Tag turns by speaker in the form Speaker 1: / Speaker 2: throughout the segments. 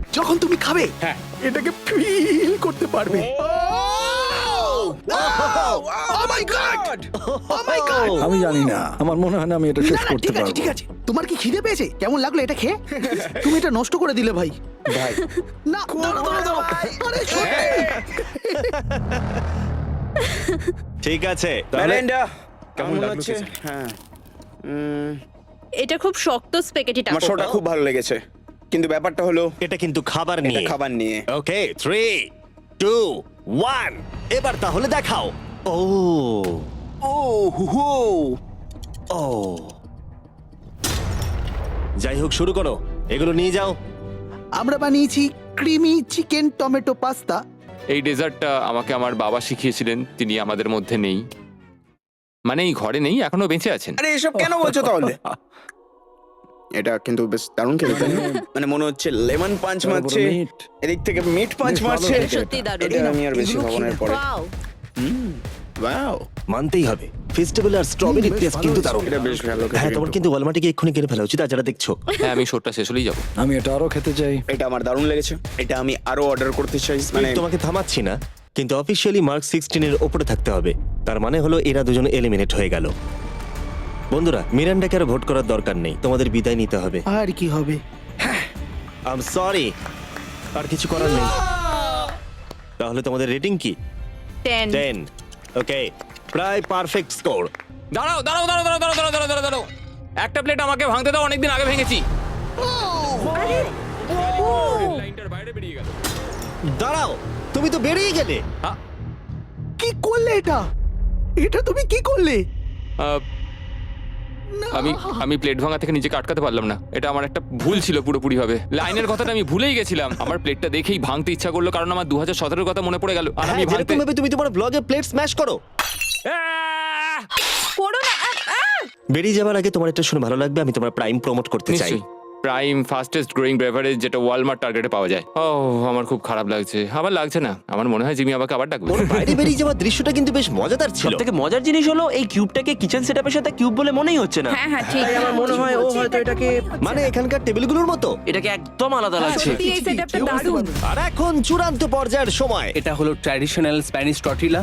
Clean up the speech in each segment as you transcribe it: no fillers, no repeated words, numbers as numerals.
Speaker 1: যখন তুমি খাবে
Speaker 2: হ্যাঁ।
Speaker 1: এটাকে ফিল করতে পারবে। Oh my God! Oh my God!
Speaker 3: আমি জানি না, আমার মনে হয় না আমি এটা শেষ
Speaker 1: না, না,
Speaker 3: করতে
Speaker 1: ঠিক আছে
Speaker 3: পারবো।
Speaker 1: ঠিক আছে। তোমার কি খিদে পেয়েছে? কেমন লাগলো এটা খেয়ে? তুমি এটা নষ্ট করে দিলে ভাই।
Speaker 2: ভাই
Speaker 1: না, দাঁড়াও, দাঁড়াও, দাঁড়াও। আরে সত্যি।
Speaker 4: ঠিক আছে তাহলে
Speaker 2: মেলিন্ডা
Speaker 5: কেমন
Speaker 2: কেমন
Speaker 5: লাগলো
Speaker 2: হচ্ছে?
Speaker 5: খেতে?
Speaker 2: হ্যাঁ
Speaker 6: এটা খুব শক্ত স্প্যাগেটি
Speaker 2: আমার শোটা খুব ভালো লেগেছে, কিন্তু ব্যাপারটা হলো
Speaker 4: এটা কিন্তু খাবার
Speaker 2: এটা
Speaker 4: নিয়ে।
Speaker 2: খাবার নিয়ে।
Speaker 4: ওকে 3 2 1 এবার তাহলে দেখাও। ও
Speaker 2: ও হু হু
Speaker 4: ও যাই হোক শুরু করো, এগুলো নিয়ে যাও।
Speaker 1: আমরা বানিয়েছি ক্রিমি চিকেন টমেটো পাস্তা।
Speaker 5: এই ডেজার্টটা আমাকে আমার বাবা শিখিয়েছিলেন, তিনি আমাদের মধ্যে নেই, মানে এই ঘরে নেই, এখনো বেঁচে আছেন।
Speaker 2: আরে এসব কেন বলছো তাহলে? এটা কিন্তু বেশ দারুণ খেতে, তাই না? মানে মনে হচ্ছে লেমন পাঞ্চ
Speaker 3: বড় বড়
Speaker 2: মারছে,
Speaker 3: meat।
Speaker 2: এদিক থেকে মিট পাঞ্চ
Speaker 3: বেশ ভালো
Speaker 2: মারছে।
Speaker 3: খেতে।
Speaker 6: সত্যি দারুণ।
Speaker 2: এটা আমি আর বেশি
Speaker 1: এগুলো
Speaker 2: খাবো না
Speaker 1: খেয়ে
Speaker 2: এরপরে।
Speaker 6: ওয়াও
Speaker 2: ওয়াও,
Speaker 4: মানতেই হবে ফেস্টিভ্যাল আর স্ট্রবেরি
Speaker 1: বেশ
Speaker 4: টেস্ট
Speaker 1: ভালো
Speaker 4: কিন্তু
Speaker 1: হয়েছে।
Speaker 4: দারুণ।
Speaker 2: এটা বেশ ভালো খেতে
Speaker 4: হ্যাঁ তোমার
Speaker 2: কিন্তু।
Speaker 4: কিন্তু ওয়ালমার্টে গিয়ে এক্ষুনি কিনে ফেলা উচিত, আর যারা দেখছো।
Speaker 5: হ্যাঁ আমি শোটা শেষ হলেই যাবো।
Speaker 3: আমি এটা আরো খেতে চাই।
Speaker 2: এটা আমার দারুণ লেগেছে, এটা আমি আরো অর্ডার করতে চাই। মানে
Speaker 4: তোমাকে থামাচ্ছি না, কিন্তু অফিসিয়ালি মার্ক 16 এর উপরে থাকতে হবে। তার মানে হলো এরা দুজন এলিমিনেট হয়ে গেল। বন্ধুরা মিরান্ডাকে আর ভোট করার দরকার নেই, তোমাদের বিদায় নিতে হবে।
Speaker 1: আর কি হবে?
Speaker 4: আই এম সরি, আর কিছু করার নেই। তাহলে তোমাদের রেটিং কি?
Speaker 6: 10
Speaker 4: 10। ওকে, প্রায় পারফেক্ট স্কোর।
Speaker 5: দাঁড়াও দাঁড়াও দাঁড়াও দাঁড়াও দাঁড়াও দাঁড়াও দাঁড়াও দাঁড়াও, একটা প্লেট আমাকে ভাঙতে দাও, অনেকদিন আগে ভেঙেছি। লাইনটার বাইরে বেরিয়ে গেল।
Speaker 4: দাঁড়াও, তুমি তো বেরিয়ে গেলে।
Speaker 1: কি করলে এটা? এটা তুমি কি করলে?
Speaker 5: আহ, আমি প্লেট ভাঙা থেকে নিজেকে আটকাতে পারলাম না, এটা আমার একটা ভুল ছিল পুরোপুরি ভাবে। লাইনের কথাটা আমি ভুলেই গেছিলাম, আমার প্লেটটা দেখেই ভাঙতে ইচ্ছা করলো, কারণ আমার 2017 কথা মনে পড়ে গেল, আর আমি
Speaker 4: হ্যাঁ,
Speaker 5: ভাঙতে
Speaker 4: যেরকম ভাবে তুমি তোমার ব্লগে প্লেট স্ম্যাশ করো।
Speaker 5: আহ!
Speaker 6: করো না
Speaker 4: বেরিয়ে যাওয়ার আগে তোমার এটা শুনে ভালো লাগবে, আমি তোমার প্রাইম প্রমোট করতে চাই।
Speaker 5: নিশ্চয়ই, প্রাইম ফাস্টেস্ট গ্রোয়িং বেভারেজ, যেটা ওয়ালমার্ট টার্গেটে পাওয়া যায়। ও আমার খুব খারাপ লাগছে। আবার লাগছে না, আমার মনে হয় জিমি আমাকে আবার ডাকবে।
Speaker 4: ওর বাইরে বেরিয়ে যাওয়ার দৃশ্যটা কিন্তু বেশ মজাদার ছিল।
Speaker 7: সবথেকে মজার জিনিস হলো এই কিউবটাকে কিচেন সেটআপের সাথে কিউব বলে মনেই হচ্ছে না।
Speaker 6: হ্যাঁ হ্যাঁ ঠিক।
Speaker 7: তাই আমার মনে হয় ও হয়তো এটাকে
Speaker 4: মানে এখানকার টেবিলগুলোর মতো।
Speaker 7: এটাকে একদম আলাদা লাগছে।
Speaker 6: সত্যি এই সেটআপটা দারুণ।
Speaker 4: আর এখন চূড়ান্ত পর্যায়ের সময়।
Speaker 8: এটা হলো ট্র্যাডিশনাল স্প্যানিশ টর্টিলা।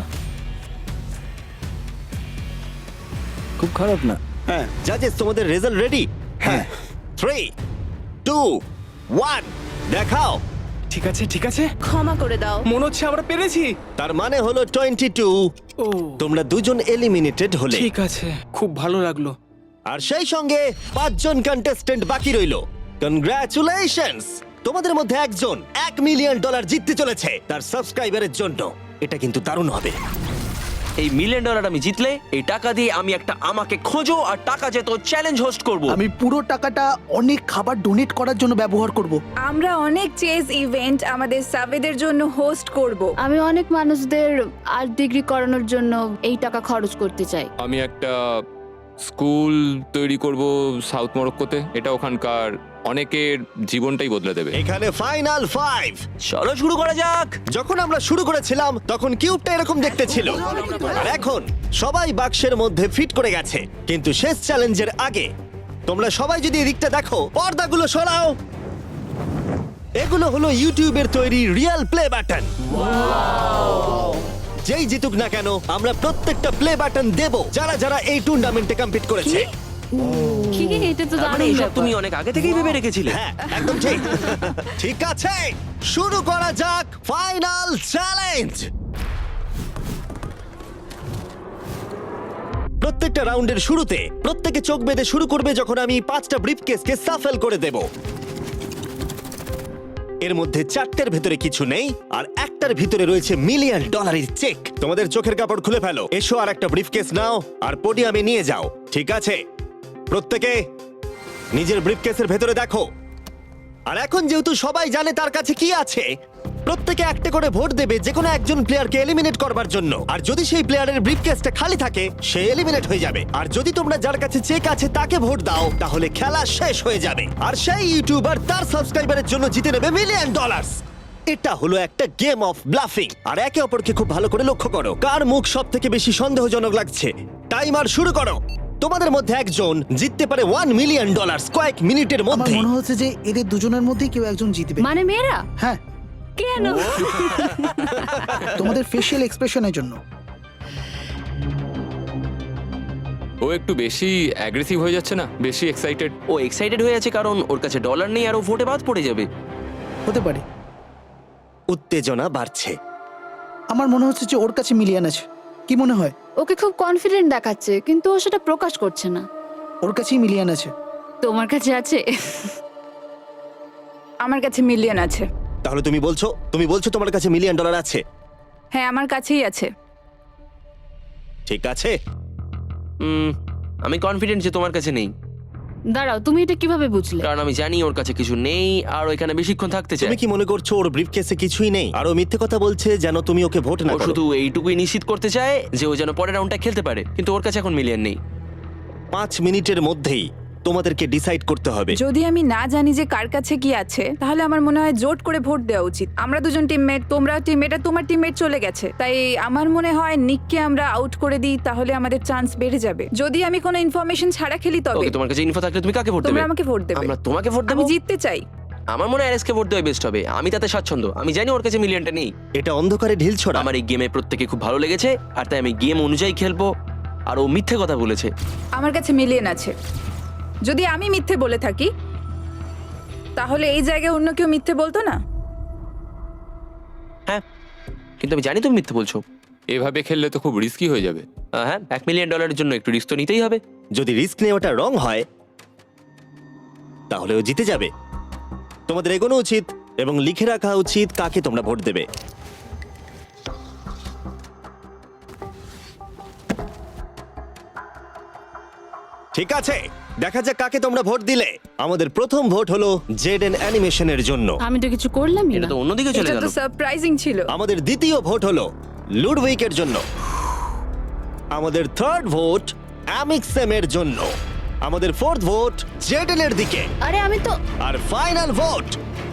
Speaker 3: খুব খারাপ না।
Speaker 2: হ্যাঁ
Speaker 4: জাজেস তোমাদের রেজাল্ট রেডি?
Speaker 2: হ্যাঁ
Speaker 4: 3 2 1 দেখাও।
Speaker 8: ঠিক আছে ঠিক আছে,
Speaker 6: ক্ষমা করে দাও।
Speaker 8: মনে হচ্ছে আমরা পেরেছি।
Speaker 4: তার মানে হলো 22।
Speaker 8: ও
Speaker 4: তোমরা দুজন এলিমিনেটেড হলে।
Speaker 8: ঠিক আছে, খুব ভালো লাগলো।
Speaker 4: আর সেই সঙ্গে 5 জন কন্টেস্টেন্ট বাকি রইলো। কনগ্রাচুলেশনস, তোমাদের মধ্যে একজন $1 মিলিয়ন জিততে চলেছে তার সাবস্ক্রাইবারের জন্য। এটা কিন্তু দারুণ হবে।
Speaker 7: এই $1 মিলিয়ন আমি জিতলে এই টাকা দিয়ে আমি একটা আমাকে খোঁজো আর টাকা যেত চ্যালেঞ্জ হোস্ট করব।
Speaker 1: আমি পুরো টাকাটা অনেক খাবার ডোনেট করার জন্য ব্যবহার করব।
Speaker 9: আমরা অনেক চেস ইভেন্ট আমাদের সাবেদের জন্য হোস্ট করব।
Speaker 10: আমি অনেক মানুষদের আর্ট ডিগ্রি করানোর জন্য এই টাকা খরচ করতে চাই।
Speaker 5: আমি একটা স্কুল তৈরি করব সাউথ মরক্কোতে, এটা ওখানকার অনেকের জীবনটাই বদলে দেবে।
Speaker 4: এখানে ফাইনাল 5।
Speaker 7: চলো শুরু করা যাক।
Speaker 4: যখন আমরা শুরু করেছিলাম তখন কিউবটা এরকম দেখতে ছিল, আর এখন সবাই বাক্সের মধ্যে ফিট করে গেছে। কিন্তু শেষ চ্যালেঞ্জের আগে তোমরা সবাই যদি এদিকটা দেখো, পর্দাগুলো সরাও। এগুলো হলো ইউটিউবের তৈরি রিয়েল প্লে বাটন। যেই জিতুক না কেন আমরা প্রত্যেকটা প্লে বাটন দেব যারা যারা এই টুর্নামেন্টে কম্পিট করেছে।
Speaker 10: কি এটা তো
Speaker 7: তার মানে
Speaker 10: দারুণ
Speaker 7: এসব
Speaker 10: ব্যাপার।
Speaker 7: তুমি অনেক আগে থেকেই ভেবে রেখেছিলে।
Speaker 4: হ্যাঁ একদম ঠিক। ঠিক আছে, শুরু করা যাক ফাইনাল চ্যালেঞ্জ। প্রত্যেকটা রাউন্ডের শুরুতে প্রত্যেকে চোখ বেঁধে শুরু করবে যখন আমি 5টা ব্রিফকেসকে সাফেল করে দেব। এর মধ্যে 4টের ভেতরে কিছু নেই, আর একটার ভিতরে রয়েছে $1 মিলিয়ন চেক। তোমাদের চোখের কাপড় খুলে ফেলো, এসো আর একটা ব্রিফকেস নাও আর পোডিয়ামে নিয়ে যাও। ঠিক আছে, প্রত্যেকে নিজের ব্রিফকেসের ভেতরে দেখো। আর এখন যেহেতু সবাই জানে তার কাছে কি আছে, প্রত্যেকে একটা করে ভোট দেবে যে কোনো একজন প্লেয়ারকে এলিমিনেট করবার জন্য। আর যদি সেই প্লেয়ারের ব্রিফকেসটা খালি থাকে সে এলিমিনেট হয়ে যাবে। আর যদি তোমরা যার কাছে চেক আছে তাকে ভোট দাও তাহলে খেলা শেষ হয়ে যাবে, আর সেই ইউটিউবার তার সাবস্ক্রাইবারের জন্য জিতে নেবে $1 মিলিয়ন। এটা হলো একটা গেম অফ ব্লাফিং। আর একে অপরকে খুব ভালো করে লক্ষ্য করো, কার মুখ সব থেকে বেশি সন্দেহজনক লাগছে। টাইমার শুরু করো। তোমাদের মধ্যে একজন জিততে পারে $1 মিলিয়ন কয়েক মিনিটের
Speaker 1: আমার
Speaker 4: মধ্যে।
Speaker 1: মনে হচ্ছে যে এদের দুজনের মধ্যেই কেউ একজন জিতবে
Speaker 10: মানে মেয়েরা
Speaker 1: হ্যাঁ
Speaker 10: কেন?
Speaker 1: তোমাদের ফেশিয়াল এক্সপ্রেশনের জন্য।
Speaker 5: ও একটু বেশি অ্যাগ্রেসিভ হয়ে যাচ্ছে না, বেশি এক্সাইটেড।
Speaker 7: ও এক্সাইটেড হয়ে আছে কারণ ওর কাছে ডলার নেই আর ও ভোটে বাদ পড়ে যাবে।
Speaker 1: হতে পারে।
Speaker 4: উত্তেজনা বাড়ছে।
Speaker 1: আমার মনে হচ্ছে যে ওর কাছে মিলিয়ন আছে। কি মনে হয়?
Speaker 10: ওকে খুব কনফিডেন্ট দেখাচ্ছে কিন্তু ও সেটা প্রকাশ করছে না।
Speaker 1: ওর কাছেই মিলিয়ন আছে।
Speaker 10: তোমার কাছে আছে?
Speaker 9: আমার কাছে মিলিয়ন আছে।
Speaker 4: তাহলে তুমি বলছো তোমার কাছে $1 মিলিয়ন আছে?
Speaker 9: হ্যাঁ, আমার কাছেই আছে।
Speaker 4: ঠিক আছে।
Speaker 7: আমি কনফিডেন্ট যে তোমার কাছে নেই,
Speaker 10: দাঁড়াও, তুমি এটা কিভাবে বুঝলে?
Speaker 7: কারণ আমি জানি ওর কাছে কিছু নেই আর ও এখানে বেশিক্ষণ থাকতে চায়।
Speaker 4: তুমি কি মনে করছো ওর ব্রিফকেসে কিছুই নেই আর ও মিথ্যে কথা বলছে যেন তুমি ওকে ভোট না
Speaker 7: ও
Speaker 4: করো?
Speaker 7: শুধু এইটুকুই নিশ্চিত করতে চায় যে ও যেন পরের রাউন্ডটা খেলতে পারে, কিন্তু ওর কাছে এখন মিলিয়ন নেই।
Speaker 4: 5 মিনিটের মধ্যেই তোমাদেরকে ডিসাইড করতে হবে।
Speaker 9: যদি আমি না জানি যে কার কাছে কি আছে, তাহলে আমার মনে হয় জোট করে ভোট দেওয়া উচিত। আমরা দুজন টিমমেট, তোমরা টিমমেট, আর তোমার টিমমেট চলে গেছে, তাই আমার মনে হয় নিককে আমরা আউট করে দিই, তাহলে আমাদের চান্স বেড়ে যাবে। যদি আমি কোনো ইনফরমেশন ছাড়া খেলি তবে।
Speaker 7: ওকে, তোমার কাছে ইনফো থাকলে তুমি কাকে ভোট দেবে?
Speaker 9: তোমরা আমাকে ভোট দেবে।
Speaker 7: আমরা তোমাকে ভোট দেব?
Speaker 9: আমি জিততে চাই।
Speaker 7: আমার মনে হয় আরএসকে ভোট দেওয়া বেস্ট হবে। আমি তাতে স্বাচ্ছন্দ্য। আমি জানি ওর কাছে মিলিয়নটা নেই।
Speaker 4: এটা অন্ধকারে ঢিল ছোড়া।
Speaker 7: আমার এই গেমে প্রত্যেকে খুব ভালো লেগেছে আর তাই আমি গেম অনুযায়ী খেলবো। আর ও মিথ্যে কথা বলেছে।
Speaker 9: আমার কাছে মিলিয়ন আছে। যদি আমি মিথ্যে বলে থাকি, তাহলে এই জায়গায় অন্য কেউ মিথ্যে বলতো না।
Speaker 7: হ্যাঁ, কিন্তু আমি জানি তুমি মিথ্যে বলছো।
Speaker 5: এভাবে খেললে তো খুব রিস্কি হয়ে যাবে।
Speaker 7: হ্যাঁ, $1 মিলিয়ন জন্য একটু রিস্ক তো নিতেই হবে।
Speaker 4: যদি রিস্ক নেওয়াটা রং হয় তাহলে ও জিতে যাবে। তোমাদের এগোনো উচিত এবং লিখে রাখা উচিত কাকে তোমরা ভোট দেবে। ঠিক আছে, দেখা যাক কাকে তোমরা ভোট দিলে। আমাদের প্রথম ভোট হলো জেডেন অ্যানিমেশনের জন্য।
Speaker 10: আমি তো কিছু করলামই
Speaker 7: এটা
Speaker 10: না।
Speaker 7: তো অন্যদিকে চলে
Speaker 9: এটা
Speaker 7: গেল।
Speaker 9: তো সারপ্রাইজিং ছিল।
Speaker 4: আমাদের দ্বিতীয় ভোট হলো লুডউইকের জন্য। আমাদের থার্ড ভোট অ্যামিক্সেমের জন্য। আমাদের ফোর্থ ভোট জেডেনের দিকে।
Speaker 10: আরে আমি তো
Speaker 4: আর ফাইনাল ভোট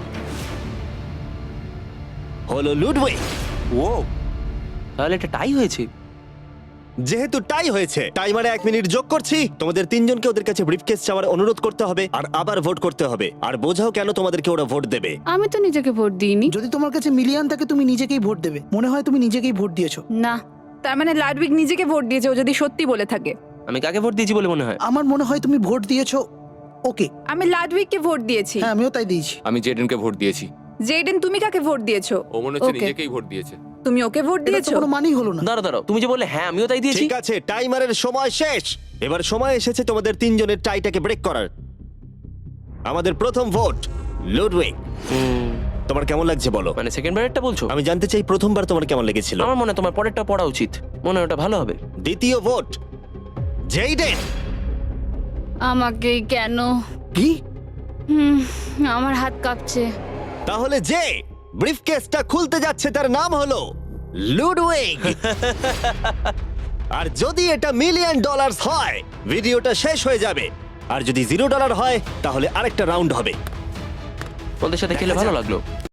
Speaker 4: হলো লুডউইক।
Speaker 7: ও, তাহলে এটা টাই হয়েছে।
Speaker 4: যেহেতু টাই হয়েছে, টাইমারে 1 মিনিট যোগ করছি। তোমাদের তিনজনকে ওদের কাছে ব্রিফকেস চাওয়ার অনুরোধ করতে হবে আর আবার ভোট করতে হবে। আর বোঝাও কেন তোমাদেরকে ওরা ভোট দেবে।
Speaker 10: আমি তো নিজেকে ভোট দিইনি।
Speaker 1: যদি তোমার কাছে মিলিয়ন থাকে তুমি নিজেকেই ভোট দেবে। মনে হয় তুমি নিজেকেই ভোট দিয়েছো।
Speaker 10: না,
Speaker 9: তার মানে লাডউইক নিজেকে ভোট দিয়েছে, ও যদি সত্যি বলে থাকে।
Speaker 7: আমি কাকে ভোট দিয়েছি বলে মনে হয়?
Speaker 1: আমার মনে হয় তুমি ভোট দিয়েছো ওকে।
Speaker 9: আমি লাডউইককে ভোট দিয়েছি।
Speaker 1: হ্যাঁ, আমিও তাই দিয়েছি।
Speaker 5: আমি জেডেনকে ভোট দিয়েছি।
Speaker 9: জেডেন, তুমি কাকে ভোট দিয়েছো?
Speaker 5: ও মনে হচ্ছে
Speaker 10: Okay.
Speaker 5: নিজেকেই ভোট দিয়েছে।
Speaker 9: তুমি ওকে ভোট
Speaker 1: এটা তো
Speaker 9: দিয়েছো?
Speaker 1: কোনো মানেই হলো না।
Speaker 7: দাঁড়াও, তুমি যে বললে হ্যাঁ আমিও তাই দিয়েছি।
Speaker 4: ঠিক আছে, টাইমারের সময় শেষ। এবার সময় এসেছে তোমাদের তিনজনের টাইটাকে ব্রেক করার। আমাদের প্রথম ভোট লুডউইক। তোমার কেমন লাগছে বলো?
Speaker 7: মানে সেকেন্ড বারেরটা বলছো?
Speaker 4: আমি জানতে চাই প্রথমবার তোমার কেমন লেগেছিল।
Speaker 7: আমার মনে হয় তোমার পরেরটা পড়া উচিত। মনে হয় ওটা ভালো হবে।
Speaker 4: দ্বিতীয় ভোট জেইডেন।
Speaker 10: আমাকে কেন?
Speaker 1: কি?
Speaker 10: আমার হাত কাঁপছে।
Speaker 4: তাহলে যে ব্রিফকেসটা খুলতে যাচ্ছে তার নাম হলো লুডউইক। আর যদি এটা $1 মিলিয়ন হয় ভিডিওটা শেষ হয়ে যাবে। আর যদি $0 হয় তাহলে আরেকটা রাউন্ড হবে।
Speaker 7: ওদের সাথে খেলে ভালো লাগলো।